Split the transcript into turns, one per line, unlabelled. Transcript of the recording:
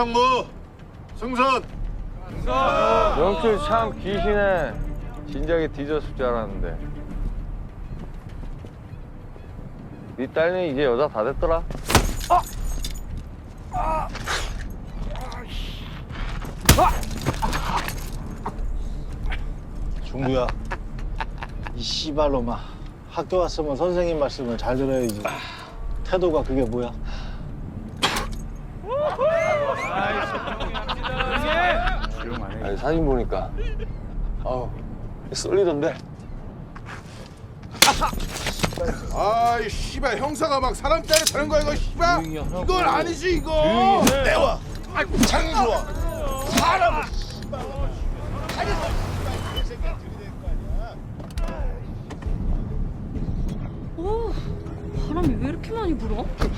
상무, 승선.
명철 참 귀신해. 진작에 뒤졌을 줄 알았는데. 네 딸는 이제 여자 다 됐더라.
중구야, 이 씨발로마 학교 왔으면 선생님 말씀을 잘 들어야지. 태도가 그게 뭐야?
아니, 사진 보니까 아우 쏠리던데.
아이 씨발 형사가 막 사람 때려차는 거야 이거 씨발. 이건 아니지 이거. 내와. 아이고 장 좋아. 사람을 씨발.
오, 바람이 왜 이렇게 많이 불어?